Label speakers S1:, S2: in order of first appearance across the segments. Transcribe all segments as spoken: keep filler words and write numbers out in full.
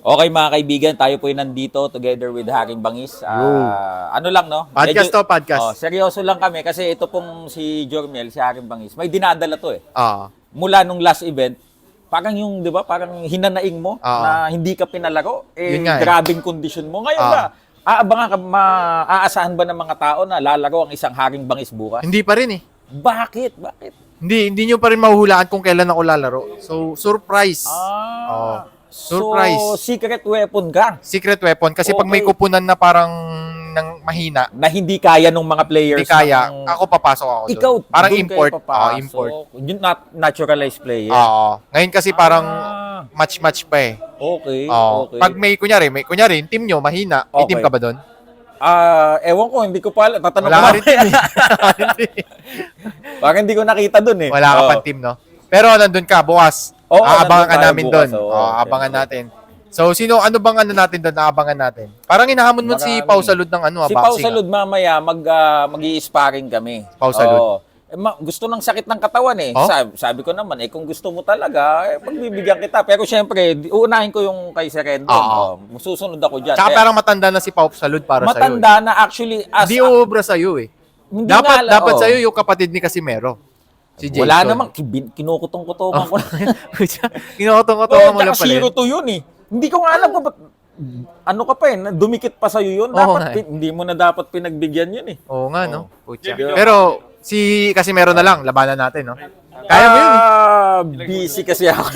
S1: Okay mga kaibigan, tayo po ay nandito together with Haring Bangis. Ah, ano lang no?
S2: Podcast
S1: Medyo-
S2: to, podcast.
S1: Oh, seryoso lang kami kasi ito pong si Jormel, si Haring Bangis. May dinadala to eh.
S2: Ah,
S1: Mula nung last event, parang yung, 'di ba, parang hinanaing mo
S2: Oo.
S1: na hindi ka pinalaro. Eh,
S2: Yun nga eh.
S1: grabing kondisyon mo. Ngayon
S2: Oo.
S1: ba, aabangan ka, maaasahan ba ng mga tao na lalaro ang isang Haring Bangis bukas?
S2: hindi pa rin eh.
S1: Bakit? Bakit?
S2: Hindi, hindi nyo pa rin mahuhulaan kung kailan ako lalaro. So, surprise.
S1: Ah,
S2: Oo. Surprise.
S1: So, secret weapon ka
S2: Secret weapon. Kasi pag may
S1: Okay.
S2: kupunan na parang ng mahina,
S1: na hindi kaya nung mga players.
S2: hindi kaya,
S1: ng-
S2: ako papasok ako doon.
S1: Ikaw,
S2: parang
S1: doon
S2: import.
S1: kayo
S2: Oo,
S1: papasok.
S2: import.
S1: Yung nat- naturalized player.
S2: Oo. Ngayon kasi parang
S1: Ah,
S2: match-match pa eh.
S1: okay,
S2: Oo.
S1: okay.
S2: Pag may, kunyari, may, kunyari, yung team nyo, mahina, may
S1: Okay.
S2: team ka ba doon?
S1: Ah, ewan ko, hindi ko pa alam. Tatanong
S2: Wala
S1: ko
S2: ka rin team
S1: mamaya.
S2: eh.
S1: Parang hindi ko nakita dun eh.
S2: Wala ka
S1: Oo.
S2: pang team, no? Pero nandun ka, bukas.
S1: Oo,
S2: Aabangan
S1: nandun
S2: ka
S1: tayo
S2: namin
S1: bukas,
S2: doon.
S1: oo,
S2: Oo, abangan
S1: syempre.
S2: natin. So, sino, ano bang ano natin doon, aabangan natin? Parang hinahamon mo si
S1: Marami.
S2: Pau Salud ng ano, ah,
S1: Si Pau
S2: boxing.
S1: Salud mamaya mag ah, mag-i-sparring kami.
S2: Pau Salud.
S1: Oo. Eh, ma- gusto ng sakit ng katawan eh.
S2: Oh?
S1: Sabi, sabi ko naman, eh kung gusto mo talaga, eh pagbibigyan kita. Pero syempre, di- uunahin ko yung kay Serendo.
S2: Oo.
S1: Oh, susunod ako dyan.
S2: Tsaka
S1: Kaya,
S2: parang matanda na si Pau Salud para sa'yo.
S1: matanda na actually
S2: Eh.
S1: as
S2: Hindi uubra sa'yo eh.
S1: hindi
S2: Dapat,
S1: nga,
S2: dapat
S1: oo.
S2: sa'yo yung kapatid ni Casimero. Si Jason.
S1: Wala namang kin- kinukutong-kutongan ko na.
S2: Kinukotong-kotongan
S1: Oh,
S2: mo lang
S1: tsaka
S2: pala.
S1: zero
S2: eh.
S1: to yun eh. Hindi ko nga alam kung ba't, ano ka pa eh, na- dumikit pa sa'yo yun.
S2: Oo
S1: Dapat,
S2: nga eh.
S1: pin- hindi mo na dapat pinagbigyan yun eh.
S2: Oo nga, no? Pucha.
S1: Diba?
S2: Pero, si Casimero na lang, labanan natin, no? Kaya mo yun eh.
S1: Ah, busy kasi ako.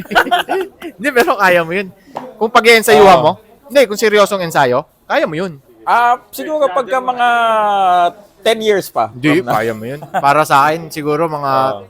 S2: Hindi, pero kaya mo yun. Kung pag-iensayuhan
S1: Oo.
S2: mo, hindi, kung seryosong ensayo, kaya mo yun.
S1: Ah, siguro pagka mga ten years pa.
S2: Hindi,
S1: From na-
S2: kaya mo yun. Para sa akin, siguro mga
S1: Oo.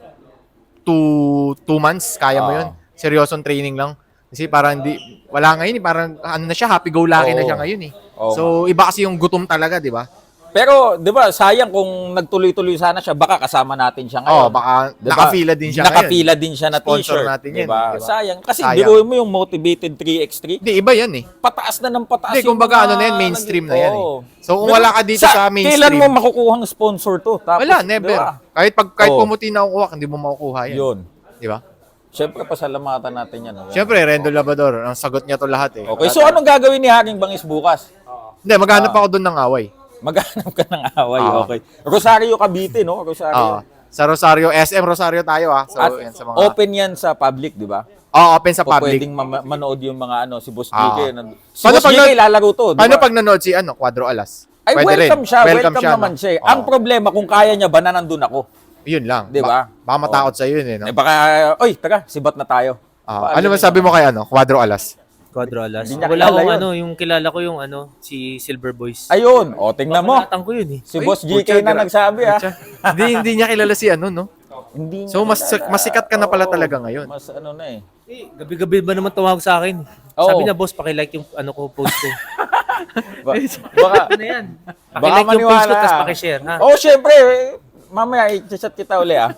S2: two, two months, kaya mo
S1: Oo.
S2: yun. Seryosong training lang. Kasi parang hindi, wala ngayon eh. Parang ano na siya, happy-go-lucky na
S1: Oo.
S2: siya ngayon eh.
S1: Oo
S2: So, iba kasi yung gutom talaga, di ba?
S1: Pero, di ba, sayang kung nagtuloy-tuloy sana siya, baka kasama natin siya ngayon.
S2: Oo, baka
S1: Diba?
S2: nakapila din siya
S1: Nakapila din siya na
S2: Sponsor
S1: t-shirt.
S2: natin yan,
S1: diba?
S2: diba?
S1: Sayang. Kasi
S2: Sayang.
S1: biruin mo yung motivated three by three.
S2: Hindi, iba yan eh.
S1: Pataas na ng pataas.
S2: Hindi,
S1: yung
S2: kumbaga
S1: mga
S2: ano na yan, mainstream na
S1: nag-
S2: yan eh.
S1: Oo.
S2: So, kung
S1: Pero
S2: wala ka dito sa mainstream-
S1: Kailan mo makukuha ng sponsor to? Tapos,
S2: Wala, never.
S1: diba?
S2: Kahit pag kahit
S1: Oo.
S2: pumuti na kukuha, hindi mo makukuha yan.
S1: Yun.
S2: Di ba?
S1: Siyempre, pasalamatan natin yan. no?
S2: Siyempre, Rendo Labrador, ang sagot niya to lahat eh.
S1: Okay, so anong gagawin ni Haring Bangis bukas?
S2: Hindi, maghanap ako doon ng away.
S1: Maghanap ka ng away,
S2: Oo.
S1: okay. Rosario Cavite, no? Rosario.
S2: Oo. Sa Rosario, S M Rosario tayo ah. So,
S1: At
S2: yan sa mga...
S1: open yan sa public, di ba?
S2: Oo, open sa
S1: O
S2: public.
S1: pwedeng ma- manood yung mga ano, si Boss G
S2: Oo.
S1: K. nan- Si
S2: Paano
S1: Boss
S2: pag
S1: G K
S2: nan-
S1: lalaro to, di
S2: Paano
S1: ba?
S2: pag nanood si ano, Quadro Alas?
S1: Ay,
S2: Pwede
S1: welcome
S2: rin.
S1: siya. Welcome, naman
S2: no?
S1: siya. eh.
S2: Oo.
S1: Ang problema, kung kaya niya ba na nandun ako?
S2: Yun lang.
S1: Di ba?
S2: Ba- baka matakot sa yun eh. No?
S1: Eh baka, oy, taga, sibat na tayo.
S2: Ah, ano man sabi mo kay ano, Quadro Alas?
S3: Quadro Alas.
S1: Hindi niya
S3: Wala
S1: kilala
S3: akong
S1: yun.
S3: ano, yung kilala ko yung ano, si Silver Boys.
S1: Ayun, o, tingnan mo.
S3: Papanatang ko yun eh.
S1: Si
S2: Ay,
S1: Boss G K
S2: putya,
S1: na
S2: gra-
S1: nagsabi, ha?
S2: Putya. hindi, hindi niya kilala si ano, no?
S1: Hindi
S2: So,
S1: niya
S2: mas
S1: kilala.
S2: mas sikat ka na pala
S1: Oo,
S2: talaga ngayon.
S1: Mas ano na eh.
S3: Eh, gabi-gabi ba naman tumawag sa akin?
S1: Oo.
S3: Sabi na, boss, pakilike yung ano ko, post ko.
S1: Ba- baka,
S3: Ano na yan?
S1: Baka
S3: Pakilike yung post ko,
S1: maniwala.
S3: tapos pakishare, ha?
S1: oh, syempre, eh, mamaya, i-chat kita uli, ah.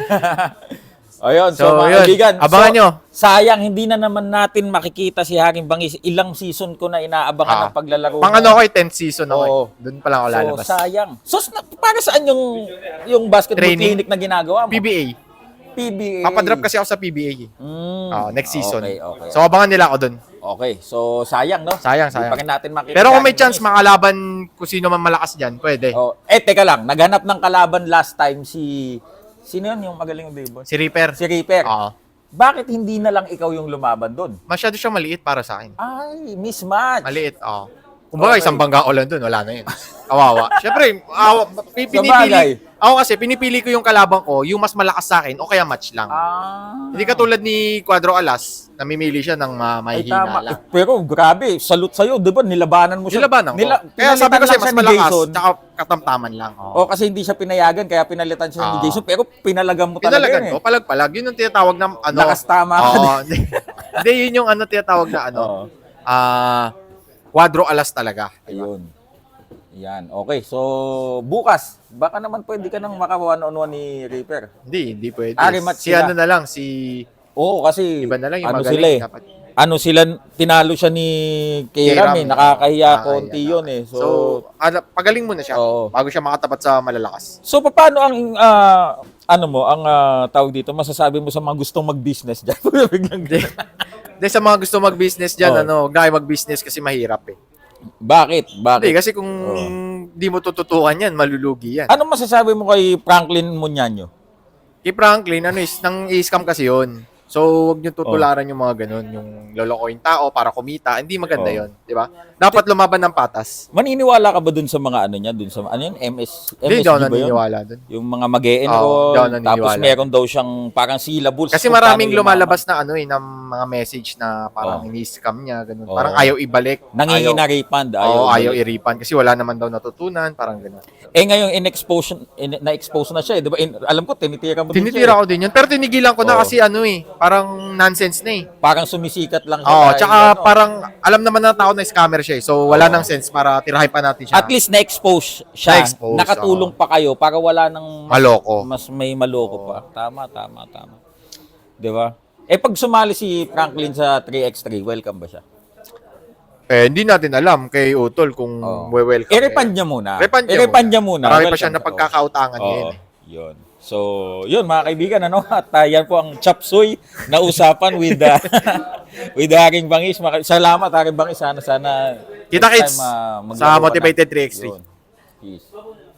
S1: Ayun, so,
S2: So,
S1: mga
S2: yun.
S1: kaibigan.
S2: Abangan
S1: so,
S2: nyo.
S1: Sayang, hindi na naman natin makikita si Haring Bangis. Ilang season ko na inaabangan
S2: Ah.
S1: ng paglalaro.
S2: Pang ano ko, tenth season ako.
S1: Oo.
S2: eh. Doon pa lang ako lalabas.
S1: So, sayang. So, na, para saan yung yung basketball
S2: Training.
S1: clinic na ginagawa mo?
S2: P B A.
S1: P B A.
S2: Papadrop kasi ako sa P B A. eh.
S1: Mm.
S2: Ah, next season.
S1: Okay, okay.
S2: So, abangan nila ako doon.
S1: okay. So, sayang, no?
S2: Sayang,
S1: Hindi
S2: sayang.
S1: pa rin natin makita.
S2: Pero
S1: si
S2: kung may
S1: Haring
S2: chance
S1: Bangis.
S2: makalaban kung sino man malakas dyan, pwede.
S1: Oh, eh, teka lang. Naghanap ng kalaban last time si... Sino yun yung magaling yung baseball?
S2: Si Reaper.
S1: Si Reaper.
S2: Oo.
S1: Bakit hindi na lang ikaw yung lumaban doon?
S2: Masyado siya maliit para sa akin.
S1: Ay, mismatch.
S2: Maliit, oo. Kumbaga,
S1: Okay.
S2: isang bangga ko lang doon, wala na yun. Kawawa. Siyempre, awa, pi-
S1: Sabagay.
S2: pinipili, ako kasi, pinipili ko yung kalabang ko, yung mas malakas sa akin, o kaya match lang.
S1: Ah.
S2: Hindi katulad ni Quadro Alas, namimili siya ng ma-
S1: Ay,
S2: mahihina
S1: tama.
S2: lang.
S1: Eh, pero grabe, salute sa'yo. Di ba, nilabanan mo siya.
S2: Nilabanan ko.
S1: Nila-
S2: Kaya sabi
S1: pinalitan
S2: ko
S1: lang
S2: siya, mas
S1: siya ni
S2: malakas,
S1: Jason.
S2: tsaka katamtaman lang. Oo.
S1: O, kasi hindi siya pinayagan, kaya pinalitan siya ni
S2: Oo.
S1: Jason. Pero pinalagan mo talaga
S2: Pinalagan
S1: yun
S2: ko,
S1: eh.
S2: palag-palag. Yun ang tinatawag na, ano,
S1: Lakas tama ka
S2: Oo. Hindi, yun yung ano tinatawag na, ano,
S1: Oo.
S2: ah, Quadro Alas talaga.
S1: Ayun. Yan. Okay, so bukas, baka naman pwede ka nang maka-one-on-one ni Reaper.
S2: Hindi, hindi pwede.
S1: Ah, rematch
S2: Si
S1: sila.
S2: ano na lang, si...
S1: Oo, kasi
S2: Iba na lang yung
S1: ano
S2: magaling,
S1: sila eh.
S2: dapat.
S1: Ano sila, tinalo siya ni Kairam eh.
S2: Kairam.
S1: Nakakahiya
S2: Nakakahiya
S1: konti
S2: na.
S1: yun eh. So,
S2: So, ala, pagaling muna siya
S1: Oo.
S2: bago siya makatapat sa malalakas.
S1: so paano ang, ah, ano mo, ang ah, tawag dito, masasabi mo sa mga gustong mag-business dyan? Biglang ganun.
S2: Dahil sa mga gusto mag-business dyan,
S1: Oh.
S2: ano, huwag na kayo mag-business kasi mahirap eh.
S1: Bakit?
S2: Hindi,
S1: Bakit?
S2: kasi kung di mo tututukan yan, malulugi yan.
S1: Anong masasabi mo kay Franklin Muñaño?
S2: Kay Franklin, ano is, nang i-scam kasi yun. So, huwag nyo
S1: Oh.
S2: tutularan yung mga ganun, yung lolokohin tao para kumita. Hindi maganda
S1: Oh.
S2: yun, di ba? Dapat lumaban ng patas.
S1: Maniniwala ka ba dun sa mga ano niya? Dun sa, ano yun? M S,
S2: Hindi,
S1: M S G
S2: hindi ako
S1: ba yun?
S2: naniniwala dun.
S1: Yung mga mag e
S2: Oo, hindi ako naniniwala.
S1: tapos meron daw siyang parang syllables.
S2: Kasi
S1: kung
S2: maraming
S1: paano
S2: lumalabas na ano eh, ng mga message na parang
S1: Oh.
S2: ini-scam niya, ganun.
S1: Oh.
S2: Parang ayaw ibalik.
S1: Nangingi na
S2: ayaw,
S1: refund.
S2: Oo, ayaw
S1: ibalik.
S2: i-refund kasi wala naman daw natutunan, parang ganun.
S1: Eh ngayon, in-expose, in, na-expose na siya eh. Di ba? In- alam ko, tinitira mo din
S2: Tinitira
S1: siya.
S2: ko din yun. Pero tinigilan ko na
S1: Oo.
S2: kasi ano eh, parang nonsense na eh.
S1: Eh. Parang sumisikat lang siya.
S2: Oo,
S1: dahil
S2: tsaka
S1: ano.
S2: parang alam naman ng tao na scammer siya eh. So wala
S1: Oo.
S2: nang sense para tirahin pa natin siya.
S1: At least na-expose siya.
S2: Na-expose,
S1: Nakatulong
S2: oo.
S1: pa kayo para wala nang mas,
S2: Maloko.
S1: mas may maloko pa. Tama, tama, tama. Di ba? Eh pag sumali si Franklin sa three by three, welcome ba siya?
S2: Eh, hindi natin alam kay Utol kung
S1: Oo.
S2: we-welcome.
S1: I-refund niya muna.
S2: Refund niya
S1: I-refund niya muna.
S2: Marami pa
S1: Welcome
S2: siya na
S1: ka.
S2: pagkakautangan
S1: Oo.
S2: ngayon eh.
S1: Yun. So, yun mga kaibigan, ano? At uh, yan po ang chapsuy na usapan with the with the Haring Bangis. Maka- Salamat Haring Bangis. Sana sana
S2: Kita
S1: next
S2: kits
S1: time, uh,
S2: sa
S1: maglaro ka na.
S2: Motivated three by three.
S1: Yun. Peace.